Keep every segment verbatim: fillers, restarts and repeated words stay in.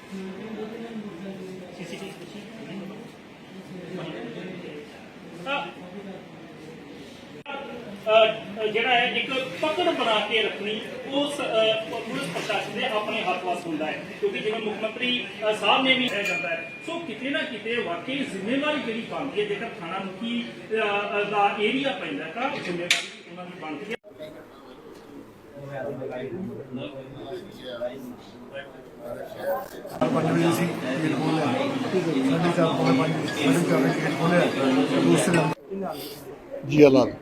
ਜਿਹੜਾ ਹੈ ਇੱਕ ਪਕੜ ਬਣਾ ਕੇ ਰੱਖਣੀ ਉਸ ਪੁਲਿਸ ਪ੍ਰਸ਼ਾਸਨ ਦੇ ਆਪਣੇ ਹੱਥ ਵਸ ਹੁੰਦਾ ਹੈ, ਕਿਉਂਕਿ ਜਿਵੇਂ ਮੁੱਖ ਮੰਤਰੀ ਸਾਹਿਬ ਨੇ ਵੀ ਕਿਹਾ ਜਾਂਦਾ ਹੈ। ਸੋ ਕਿਤੇ ਨਾ ਕਿਤੇ ਵਾਕਈ ਜ਼ਿੰਮੇਵਾਰੀ ਜਿਹੜੀ ਬਣਦੀ ਹੈ, ਜੇਕਰ ਥਾਣਾ ਮੁਖੀ ਦਾ ਏਰੀਆ ਪੈਂਦਾ ਤਾਂ ਜ਼ਿੰਮੇਵਾਰੀ ਉਹਨਾਂ ਦੀ ਬਣਦੀ ਹੈ। ਪੰਜ ਵਜੇ ਸੀ ਗੇਟ ਖੋਲ੍ਹਿਆ, ਸਾਢੇ ਚਾਰ ਪੌਣੇ ਪੰਜ ਸਾਢੇ ਚਾਰ ਵਜੇ ਗੇਟ ਖੋਲ੍ਹਿਆ। ਦੂਸਰੇ ਜੀ ਲਾਲ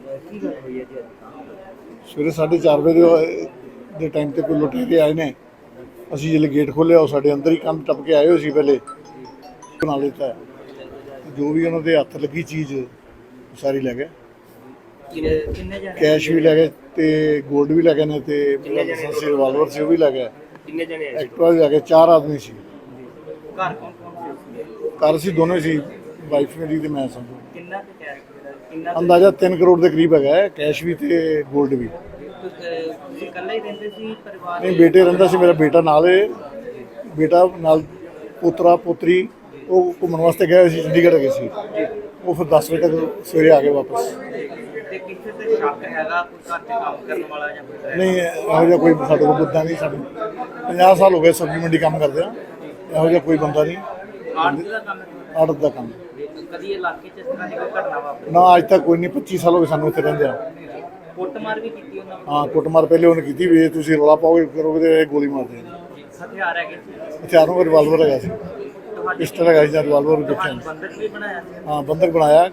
ਸਵੇਰੇ ਸਾਢੇ ਚਾਰ ਵਜੇ ਦੇ ਟਾਈਮ ਤੇ ਕੋਈ ਲੁਟੇਰੇ ਆਏ ਨੇ। ਅਸੀਂ ਜਦੋਂ ਗੇਟ ਖੋਲ੍ਹਿਆ ਉਹ ਸਾਡੇ ਅੰਦਰ ਹੀ ਕੰਧ ਟੱਪ ਕੇ ਆਏ ਹੋਏ ਸੀ। ਪਹਿਲੇ ਬਣਾ ਲਿੱਤਾ, ਜੋ ਵੀ ਉਹਨਾਂ ਦੇ ਹੱਥ ਲੱਗੀ ਚੀਜ਼ ਸਾਰੀ ਲੈ ਗਏ। ਕੈਸ਼ ਵੀ ਲੈ ਗਏ ਤੇ ਗੋਲਡ ਵੀ ਲੈ ਗਏ ਨੇ ਤੇ ਲਾਇਸੈਂਸੀ ਰਿਵਾਲਵਰ ਸੀ ਉਹ ਵੀ ਲੈ ਗਏ। ਕਿੰਨੇ ਜਣੇ ਆਏ? ਐਕਟਿਵਾ ਵੀ ਲੈ ਗਏ। ਚਾਰ ਆਦਮੀ ਸੀ। ਘਰ ਕੌਣ ਕੌਣ ਸੀ? ਘਰ ਅਸੀਂ ਦੋਨੋਂ ਸੀ, ਵਾਈਫ ਮੇਰੀ ਤੇ ਮੈਂ। ਸਮਝੋ ਕਿੰਨਾ ਕੁ ਕੈਸ਼ ਕਿੰਨਾ ਅੰਦਾਜ਼ਾ ਤਿੰਨ ਕਰੋੜ ਦੇ ਕਰੀਬ ਹੈਗਾ ਹੈ, ਕੈਸ਼ ਵੀ ਤੇ ਗੋਲਡ ਵੀ। ਤੁਸੀਂ ਇਕੱਲੇ ਹੀ ਰਹਿੰਦੇ ਸੀ ਪਰਿਵਾਰ? ਨਹੀਂ, ਬੇਟੇ ਰਹਿੰਦਾ ਸੀ, ਮੇਰਾ ਬੇਟਾ ਨਾਲ ਹੈ। ਬੇਟਾ ਨਾਲ ਪੋਤਰਾ ਪੋਤਰੀ ਉਹ ਘੁੰਮਣ ਵਾਸਤੇ ਗਏ ਸੀ, ਚੰਡੀਗੜ੍ਹ ਗਏ ਸੀ। ਉਹ ਫਿਰ ਦਸ ਵਜੇ ਤੱਕ ਸਵੇਰੇ ਆ ਗਏ ਵਾਪਸ। ਤੇ ਕਿਸੇ ਤੇ ਸ਼ੱਕ ਹੈਗਾ ਕੋਈ ਘਰ ਤੇ ਕੰਮ ਕਰਨ ਵਾਲਾ ਜਾਂ ਕੋਈ? ਨਹੀਂ, ਇਹੋ ਜਿਹਾ ਕੋਈ ਸਾਡੇ ਕੋਲ ਬੰਦਾ ਨਹੀਂ। ਸਾਡੇ ਪੰਜਾਹ ਸਾਲ ਹੋ ਗਏ ਸਬਜ਼ੀ ਮੰਡੀ ਕੰਮ ਕਰਦੇ ਆ, ਇਹੋ ਜਿਹਾ ਕੋਈ ਬੰਦਾ ਨਹੀਂ। ਆੜਤ ਦਾ ਕੰਮ ਹੈ? ਆੜਤ ਦਾ ਕੰਮ। ਕਦੀ ਇਲਾਕੇ 'ਚ ਇਸ ਤਰ੍ਹਾਂ ਦੀ ਕੋਈ ਘਟਨਾ ਵਾਪਰੀ? ਨਾ, ਅੱਜ ਤੱਕ ਕੋਈ ਨਹੀਂ। ਪੱਚੀ ਸਾਲ ਹੋ ਗਏ ਸਾਨੂੰ ਇੱਥੇ ਰਹਿੰਦੇ ਆ। ਕੁੱਟਮਾਰ ਵੀ ਕੀਤੀ ਉਹਨਾਂ ਨੇ? ਹਾਂ, ਕੁੱਟਮਾਰ ਪਹਿਲੇ ਉਹਨੇ ਕੀਤੀ ਵੀ ਤੁਸੀਂ ਰੌਲਾ ਪਾਓਗੇ ਕਰੋਗੇ ਤੇ ਗੋਲੀ ਮਾਰ ਦੇਣੀ। ਹਥਿਆਰ ਹੈਗੇ ਸੀ? ਹਥਿਆਰਾਂ ਦਾ ਰਿਵਾਲਵਰ ਹੈਗਾ ਸੀ, ਇਸ ਤਰ੍ਹਾਂ ਹੈਗਾ ਸੀ ਜਾਂ ਰਿਵਾਲਵਰ ਦੇਖਿਆ। ਬੰਦਕ ਵੀ ਬਣਾਇਆ ਸੀ? ਹਾਂ, ਬੰਦਕ ਬਣਾਇਆ।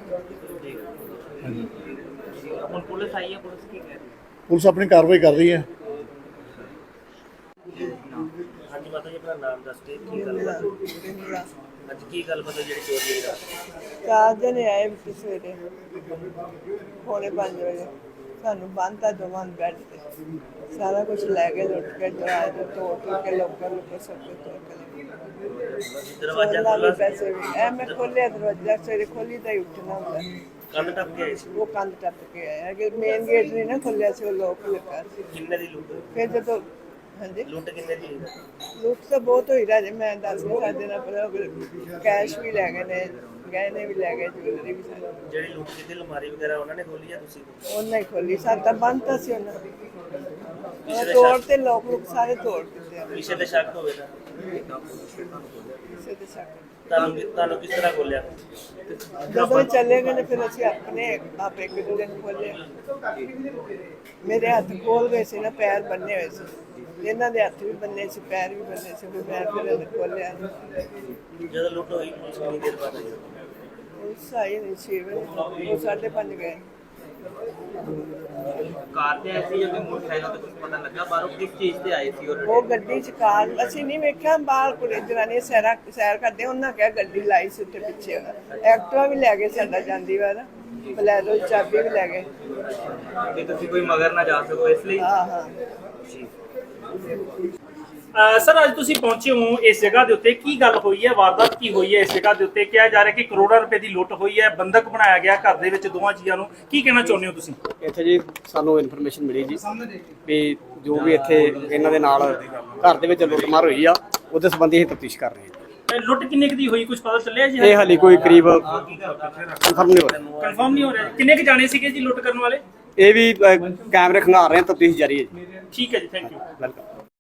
ਹੁਣ ਪੁਲਿਸ ਆਈ ਹੈ, ਪੁਲਿਸ ਕੀ ਕਹਿ ਰਹੀ ਹੈ? ਪੁਲਿਸ ਆਪਣੀ ਕਾਰਵਾਈ ਕਰ ਰਹੀ ਹੈ। ਹਾਂਜੀ ਮਾਤਾ ਜੀ, ਆਪਣਾ ਨਾਮ ਦੱਸ ਕੇ ਕੀ ਗੱਲ ਅੱਜ ਕੀ ਗੱਲ ਪਤਾ ਜਿਹੜੀ ਚੋਰੀ ਹੋਈ? ਚਾਰ ਜਣੇ ਆਏ ਵਿੱਚ ਸਵੇਰੇ ਪੌਣੇ ਪੰਜ ਵਜੇ, ਸਾਨੂੰ ਬੰਨ੍ਹਤਾ ਦੋਵਾਂ ਨੂੰ ਬੈੱਡ ਤੇ। ਸਾਰਾ ਕੁਝ ਲੈ ਕੇ ਲੁੱਟ ਕੇ ਦਰਵਾਜ਼ੇ ਤੋੜ ਤੋੜ ਕੇ ਲੋਕਾਂ ਨੂੰ ਸਭ ਕੁਝ ਤੋੜ ਕੇ ਦਰਵਾਜ਼ਾ ਖੋਲ੍ਹਿਆ। ਖੁੱਲ੍ਹਾ ਪੈਸੇ ਵੀ ਐ ਮੈਂ ਖੋਲ੍ਹਿਆ ਦਰਵਾਜ਼ਾ, ਸਵੇਰੇ ਖੋਲ੍ਹੀ ਤਾਂ ਹੀ ਉੱਠਣਾ ਹੁੰਦਾ। ਕੰਧ ਟੱਪ ਕੇ ਆਏ ਸੀ? ਉਹ ਕੰਧ ਟੱਪ ਕੇ ਆਇਆ ਕਿ ਮੇਨ ਗੇਟ ਨਹੀਂ ਨਾ ਖੋਲ੍ਹਿਆ ਸੀ, ਉਹ ਲੋਕ ਲੱਗਾ ਸੀ। ਕਿੰਨੇ ਦੀ ਲੁੱਟ? ਫਿਰ ਜਦੋਂ ਹਾਂਜੀ ਲੁੱਟ ਕਿੰਨੇ ਦੀ? ਲੁੱਟ ਤਾਂ ਬਹੁਤ ਹੋਈ ਰਾਜੇ, ਮੈਂ ਦੱਸ ਨਹੀਂ ਸਕਦੇ ਨਾ, ਪਰ ਕੈਸ਼ ਵੀ ਲੈ ਗਏ ਨੇ, ਗਹਿਣੇ ਵੀ ਲੈ ਗਏ, ਜੁਐਲਰੀ ਵੀ ਸਾਰੀ। ਜਿਹੜੀ ਲੁੱਟ ਕੀਤੀ ਅਲਮਾਰੀ ਵਗੈਰਾ ਉਹਨਾਂ ਨੇ ਖੋਲੀ ਆ ਤੁਸੀਂ? ਉਹਨਾਂ ਹੀ ਖੋਲੀ, ਸਾਡਾ ਬੰਦ ਤਾਂ ਸੀ ਉਹਨਾਂ ਨੇ। ਤੋੜ ਤੇ ਲੋਕ ਲੋਕ ਸਾਰੇ ਤੋੜ ਦਿੱਤੇ ਆ। ਕਿਸੇ ਤੇ ਸ਼ੱਕ ਹੋਵੇ ਤਾਂ? ਕਿਸੇ ਦੇ ਸ਼ੱਕ ਤੁਹਾਨੂੰ ਤੁਹਾਨੂੰ ਕਿਸ ਤਰ੍ਹਾਂ ਖੋਲਿਆ? ਜਦੋਂ ਚੱਲੇ ਗਏ ਨੇ ਫਿਰ ਅਸੀਂ ਆਪਣੇ ਆਪ ਇੱਕ ਦੂਜੇ ਨੂੰ ਖੋਲੇ। ਮੇਰੇ ਹੱਥ ਖੋਲ ਗਏ ਸੀ ਨਾ, ਪੈਰ ਬੰਨੇ ਹੋਏ ਸੀ। ਇਹਨਾਂ ਦੇ ਹੱਥ ਵੀ ਬੰਨੇ ਸੀ, ਪੈਰ ਵੀ ਬੰਨੇ ਸੀ। ਫਿਰ ਮੈਂ ਫਿਰ ਇਹਨੇ ਖੋਲਿਆ। ਜਦੋਂ ਲੁੱਟ ਹੋਈ ਪੁਲਿਸ ਕਿੰਨੀ ਦੇਰ ਬਾਅਦ ਆਈ? ਉਸ ਆਈ ਨਹੀਂ ਛੇ ਵਜੇ, ਉਹ ਸਾਢੇ ਪੰਜ ਗਏ। ਕਾਰ ਤੇ ਆਏ ਸੀ ਜਾਂ ਮੋਟਰਸਾਈਕਲ ਤੇ? ਕੁਝ ਪਤਾ ਲੱਗਾ ਬਾਹਰੋਂ ਕਿਸ ਚੀਜ਼ ਤੇ ਆਏ ਸੀ? ਉਹ ਗੱਡੀ ਚ ਕਾਰ ਅਸੀਂ ਨਹੀਂ ਵੇਖਿਆ, ਬਾਹਰ ਕੁੜੀ ਜਨਾਨੀ ਸੈਰਾ ਸੈਰ ਕਰਦੇ, ਉਹਨਾਂ ਕਿਹਾ ਗੱਡੀ ਲਾਈ ਸੀ ਉੱਥੇ ਪਿੱਛੇ। ਐਕਟਿਵਾ ਵੀ ਲੈ ਗਏ ਸਾਡਾ ਜਾਂਦੀ ਵਾਰ, ਬਲੈਰੋ ਦੀ ਚਾਬੀ ਵੀ ਲੈ ਗਏ। ਤੇ ਤੁਸੀਂ ਕੋਈ ਮਗਰ ਨਾ ਜਾ ਸਕੋ ਇਸ ਲਈ? ਹਾਂ ਹਾਂ। ਸਰ, ਅੱਜ ਤੁਸੀਂ ਪਹੁੰਚੇ ਹੋ ਇਸ ਜਗ੍ਹਾ ਦੇ ਉੱਤੇ, ਕੀ ਗੱਲ ਹੋਈ ਹੈ? ਵਾਰਦਾਤ ਕੀ ਹੋਈ ਹੈ ਇਸ ਜਗ੍ਹਾ ਦੇ ਉੱਤੇ? ਕਿਹਾ ਜਾ ਰਿਹਾ ਕਿ ਕਰੋੜਾਂ ਰੁਪਏ ਦੀ ਲੁੱਟ ਹੋਈ ਹੈ, ਬੰਦਕ ਬਣਾਇਆ ਗਿਆ ਘਰ ਦੇ ਵਿੱਚ ਦੋਵਾਂ ਜੀਆਂ ਨੂੰ। ਕੀ ਕਹਿਣਾ ਚਾਹੁੰਦੇ ਹੋ ਤੁਸੀਂ? ਇੱਥੇ ਜੀ ਸਾਨੂੰ ਇਨਫੋਰਮੇਸ਼ਨ ਮਿਲੀ ਜੀ ਵੀ ਜੋ ਵੀ ਇੱਥੇ ਇਹਨਾਂ ਦੇ ਨਾਲ ਘਰ ਦੇ ਵਿੱਚ ਲੁੱਟਮਾਰ ਹੋਈ ਆ, ਉਹਦੇ ਸੰਬੰਧੀ ਅਸੀਂ ਤਫਤੀਸ਼ ਕਰ ਰਹੇ ਹਾਂ। ਲੁੱਟ ਕਿੰਨੇ ਕੁ ਦੀ ਹੋਈ, ਕੁਝ ਪਤਾ ਚੱਲਿਆ ਜੀ? ਇਹ ਹਾਲੇ ਕੋਈ ਕਰੀਬ ਕਨਫਰਮ ਨਹੀਂ ਹੋ ਰਿਹਾ। ਕਨਫਰਮ ਨਹੀਂ ਹੋ ਰਿਹਾ। ਕਿੰਨੇ ਕੁ ਜਾਣੇ ਸੀਗੇ ਜੀ ਲੁੱਟ ਕਰਨ ਵਾਲੇ? ਇਹ ਵੀ ਅ, ਕੈਮਰੇ ਖੰਗਾਰ ਰਹੇ ਹਾਂ, ਤਫਤੀਸ਼ ਜਾਰੀ ਹੈ ਜੀ। ਠੀਕ ਹੈ ਜੀ, ਥੈਂਕ ਯੂ। ਵੈਲਕਮ।